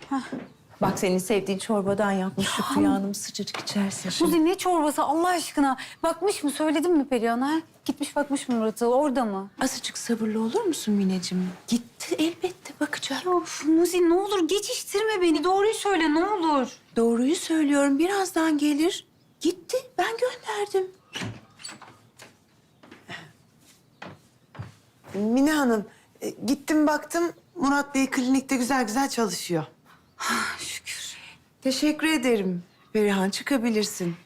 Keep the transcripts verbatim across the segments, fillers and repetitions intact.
Bak senin sevdiğin çorbadan yapmış Şükrü Hanım, sıcacık içersin şimdi. Suzi ne çorbası Allah aşkına? Bakmış mı? Söyledin mi Perihan'a? ha? Gitmiş bakmış mı Murat'a? Orada mı? Azıcık sabırlı olur musun Mineciğim? Gitti elbette bakacak. Ya of, Muzi ne olur geçiştirme beni. Doğruyu söyle ne olur. Doğruyu söylüyorum, birazdan gelir. Gitti, ben gönderdim. Mine Hanım, e, gittim baktım Murat Bey klinikte güzel güzel çalışıyor. Şükür. Teşekkür ederim. Perihan, çıkabilirsin.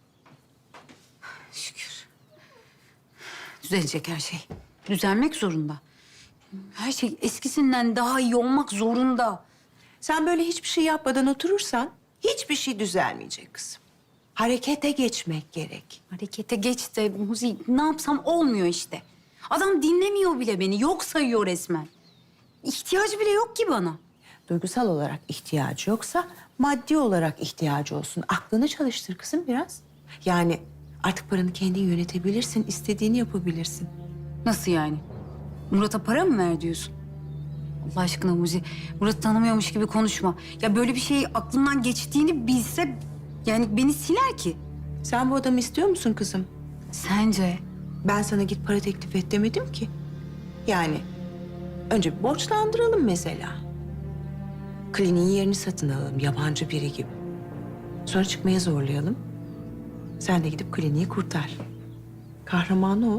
Şükür. Düzelecek her şey. Düzelmek zorunda. Her şey eskisinden daha iyi olmak zorunda. Sen böyle hiçbir şey yapmadan oturursan hiçbir şey düzelmeyecek kızım. Harekete geçmek gerek. Harekete geç de Muzi ne yapsam olmuyor işte. Adam dinlemiyor bile beni. Yok sayıyor resmen. İhtiyacı bile yok ki bana. Duygusal olarak ihtiyacı yoksa maddi olarak ihtiyacı olsun. Aklını çalıştır kızım biraz. Yani artık paranı kendin yönetebilirsin, istediğini yapabilirsin. Nasıl yani? Murat'a para mı ver diyorsun? Allah aşkına Muzi, Murat'ı tanımıyormuş gibi konuşma. Ya böyle bir şey aklımdan geçtiğini bilse yani beni siler ki. Sen bu adamı istiyor musun kızım? Sence? Ben sana git para teklif et demedim ki. Yani önce bir borçlandıralım mesela. Kliniğin yerini satın alalım yabancı biri gibi. Sonra çıkmaya zorlayalım. Sen de gidip kliniği kurtar. Kahramanı ol.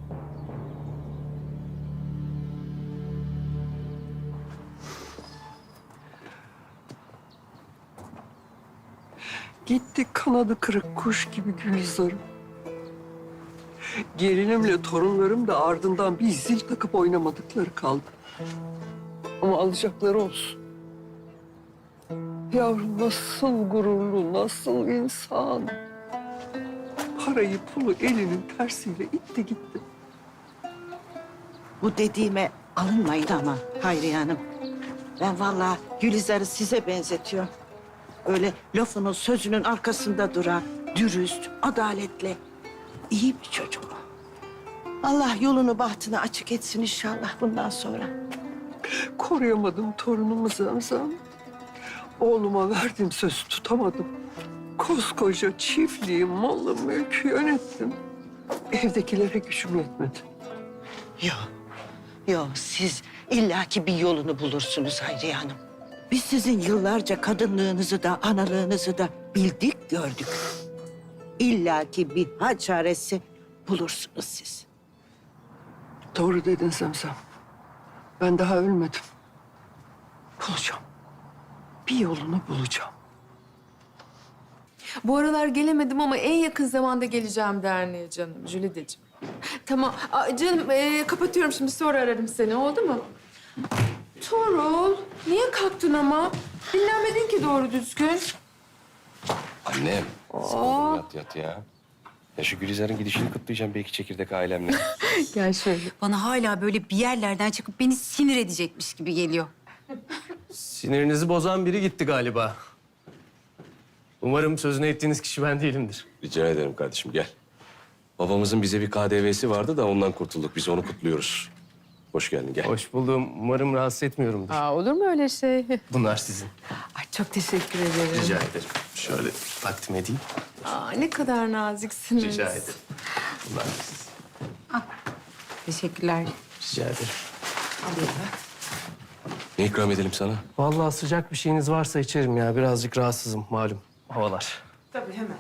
Gitti kanadı kırık kuş gibi Gülizar'ım. Gelinimle torunlarım da ardından bir zil takıp oynamadıkları kaldı. Ama alacakları olsun. Yavrum nasıl gururlu, nasıl insan. Parayı pulu elinin tersiyle itti gitti. Bu dediğime alınmayın ama Hayriye Hanım. Ben vallahi Gülizar'ı size benzetiyorum. Öyle lafının sözünün arkasında duran, dürüst, adaletli, iyi bir çocuk o. Allah yolunu bahtını açık etsin inşallah bundan sonra. Koruyamadım torunumu Zamzam. Oğluma verdiğim sözü tutamadım. Koskoca çiftliği, malı, mülkü yönettim. Evdekilere gücüm yetmedi. Yok, yok siz illaki bir yolunu bulursunuz Hayriye Hanım. Biz sizin yıllarca kadınlığınızı da analığınızı da bildik gördük. İllaki bir hal çaresi bulursunuz siz. Doğru dedin Zemzem. Ben daha ölmedim. Bulacağım. Bir yolunu bulacağım. Bu aralar gelemedim ama en yakın zamanda geleceğim derneğe canım, Jülideciğim. Tamam, Aa, canım ee, kapatıyorum şimdi, sonra ararım seni, oldu mu? Tuğrul, niye kalktın ama? Dinlenmedin ki doğru düzgün. Annem, sıkıldım yat yat ya. Ya şu Gülizar'ın gidişini kutlayacağım belki çekirdek ailemle. Gel şöyle. Bana hala böyle bir yerlerden çıkıp beni sinir edecekmiş gibi geliyor. Sinirinizi bozan biri gitti galiba. Umarım sözünü ettiğiniz kişi ben değilimdir. Rica ederim kardeşim gel. Babamızın bize bir K D V'si vardı da ondan kurtulduk. Biz onu kutluyoruz. Hoş geldin gel. Hoş buldum. Umarım rahatsız etmiyorumdur. Aa, olur mu öyle şey? Bunlar sizin. Ay, çok teşekkür ederim. Rica ederim. Şöyle takdim edeyim. Aa, ne kadar naziksiniz. Rica ederim. Bunlar da sizin. Teşekkürler. Rica ederim. Ne ikram edelim sana? Vallahi sıcak bir şeyiniz varsa içerim ya. Birazcık rahatsızım malum havalar. Tabii hemen.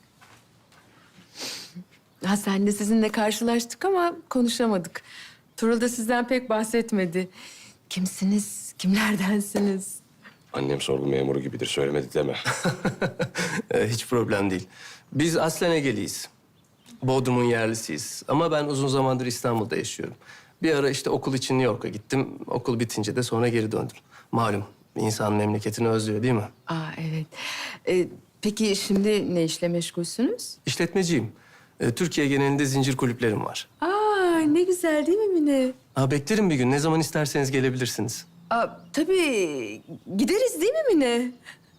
Ha, sen de sizinle karşılaştık ama konuşamadık. Tuğrul da sizden pek bahsetmedi. Kimsiniz, kimlerdensiniz? Annem sorgu memuru gibidir. Söylemedi deme. Ee, hiç problem değil. Biz aslen Egeliyiz. Bodrum'un yerlisiyiz. Ama ben uzun zamandır İstanbul'da yaşıyorum. Bir ara işte okul için New York'a gittim. Okul bitince de sonra geri döndüm. Malum insan memleketini özlüyor değil mi? Aa, evet. Ee, peki şimdi ne işle meşgulsünüz? İşletmeciyim. Ee, Türkiye genelinde zincir kulüplerim var. Aa, ne güzel değil mi Mine? Ha, beklerim bir gün. Ne zaman isterseniz gelebilirsiniz. Aa, tabii gideriz değil mi Mine?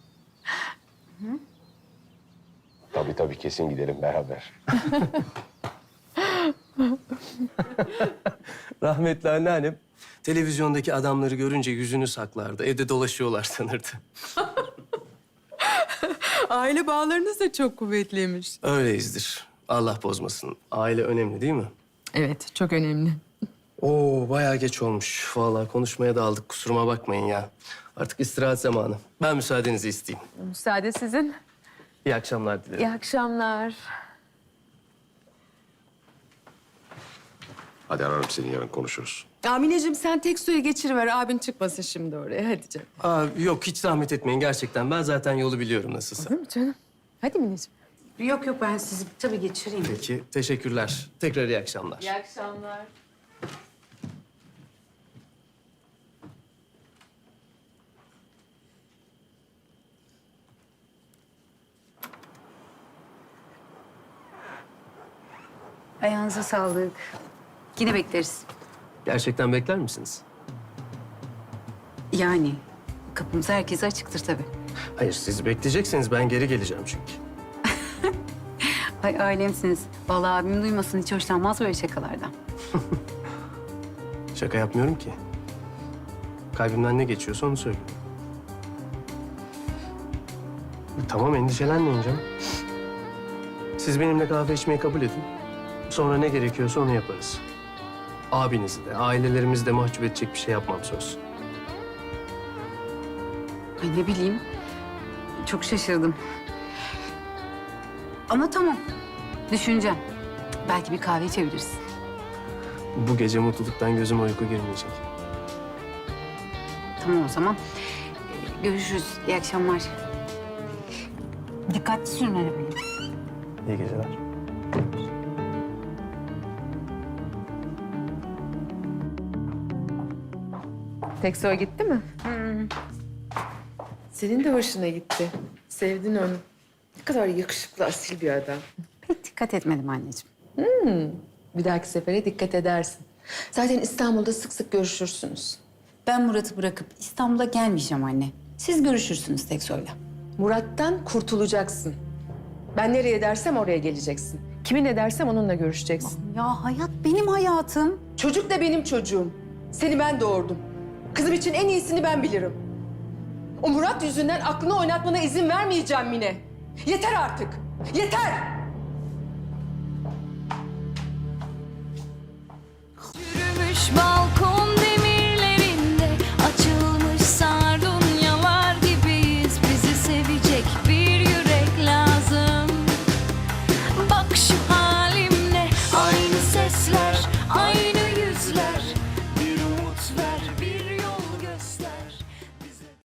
Tabii tabii kesin gidelim beraber. Rahmetli anneannem Televizyondaki adamları görünce yüzünü saklardı. Evde dolaşıyorlar sanırdı. Aile bağlarınız da çok kuvvetliymiş. Öyleyizdir. Allah bozmasın. Aile önemli değil mi? Evet, çok önemli. Oo, bayağı geç olmuş. Vallahi konuşmaya daldık. Kusuruma bakmayın ya. Artık istirahat zamanı. Ben müsaadenizi isteyeyim. Müsaade sizin. İyi akşamlar dilerim. İyi akşamlar. Hadi ararım seni, yarın konuşuruz. Amineciğim sen tek suya geçiriver. Abin çıkmasın şimdi oraya. Hadi canım. Aa, yok, hiç zahmet etmeyin gerçekten. Ben zaten yolu biliyorum nasılsa. Değil mi canım? Hadi Mineciğim. Yok yok ben sizi tabii geçireyim. Peki, teşekkürler. Tekrar iyi akşamlar. İyi akşamlar. Ayağınıza sağlık. Yine bekleriz. Gerçekten bekler misiniz? Yani kapımız herkese açıktır tabii. Hayır, siz bekleyecekseniz ben geri geleceğim çünkü. Ay ailemsiniz. Vallahi abim duymasın, hiç hoşlanmaz böyle şakalardan. Şaka yapmıyorum ki. Kalbimden ne geçiyorsa onu söylüyorum. E, Tamam, endişelenmeyin canım. Siz benimle kahve içmeyi kabul edin. Sonra ne gerekiyorsa onu yaparız. Abinizi de, ailelerimizi de mahcup edecek bir şey yapmam söz. Ay ne bileyim. Çok şaşırdım. Ama tamam. Düşüneceğim. Belki bir kahve içebiliriz. Bu gece mutluluktan gözüme uyku girmeyecek. Tamam o zaman. Ee, görüşürüz. İyi akşamlar. Dikkatli sürün arabayı. İyi geceler. Tek suya gitti mi? Senin de hoşuna gitti. Sevdin onu. Ne kadar yakışıklı, asil bir adam. Pek dikkat etmedim anneciğim. Bir dahaki sefere dikkat edersin. Zaten İstanbul'da sık sık görüşürsünüz. Ben Murat'ı bırakıp İstanbul'a gelmeyeceğim anne. Siz görüşürsünüz Teksoy'la. Murat'tan kurtulacaksın. Ben nereye dersem oraya geleceksin. Kimi ne dersem onunla görüşeceksin. Ya hayat benim hayatım. Çocuk da benim çocuğum. Seni ben doğurdum. Kızım için en iyisini ben bilirim. O Murat yüzünden aklını oynatmana izin vermeyeceğim Mine. Yeter artık. Yeter! Yürümüş balkon